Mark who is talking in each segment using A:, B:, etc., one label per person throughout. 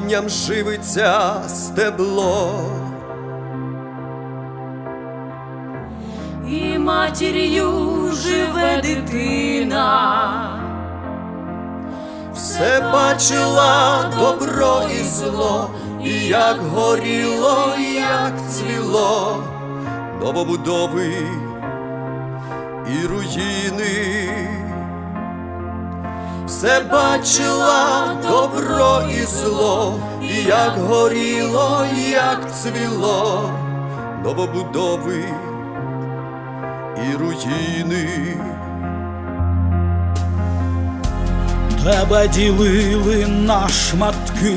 A: корінням живиться стебло.
B: І матір'ю живе дитина,
A: Все бачила добро і зло, і як горіло, і як цвіло, новобудови і руїни. Все бачила добро і зло, і як горіло, і як цвіло, новобудови і руїни.
C: Тебе ділили на шматки,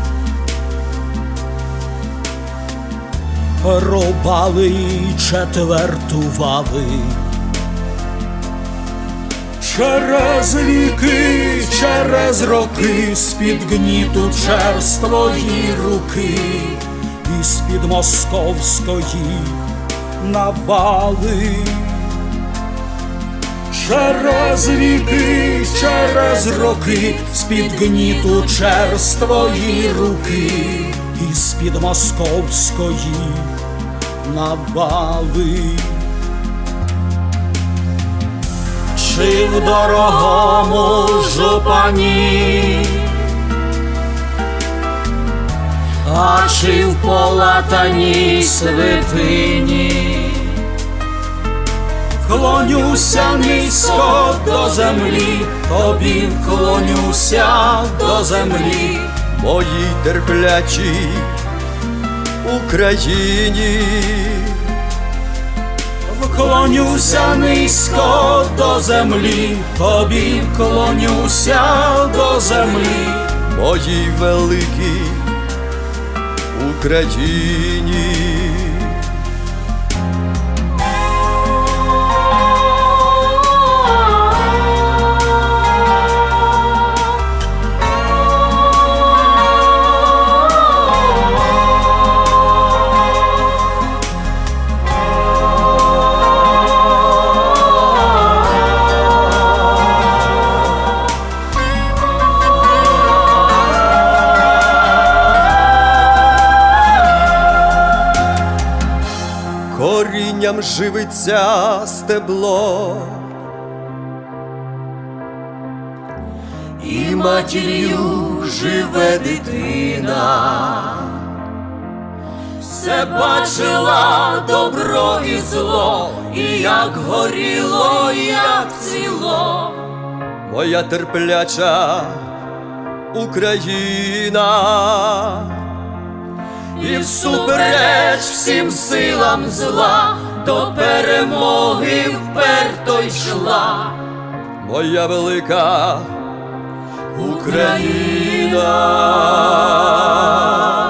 C: рубали і четвертували. Через віки, через роки, з-під гніту черст твої руки, і з-під московської навали. Через віки, через роки, з-під гніту черст твої руки, і з-під московської навали. Чи в дорогому жупані, а чи в полатаній святині, вклонюся низько до землі, тобі вклонюся до землі,
A: Моїй терплячій Україні.
C: вклонюся низько до землі, тобі вклонюся до землі,
A: Моїй великій Україні. Корінням живиться стебло,
B: і матір'ю живе дитина. Все бачила добро і зло, і як горіло, і як цвіло.
A: моя терпляча Україна.
B: І всупереч всім силам зла до перемоги вперто йшла
A: Моя велика
B: Україна.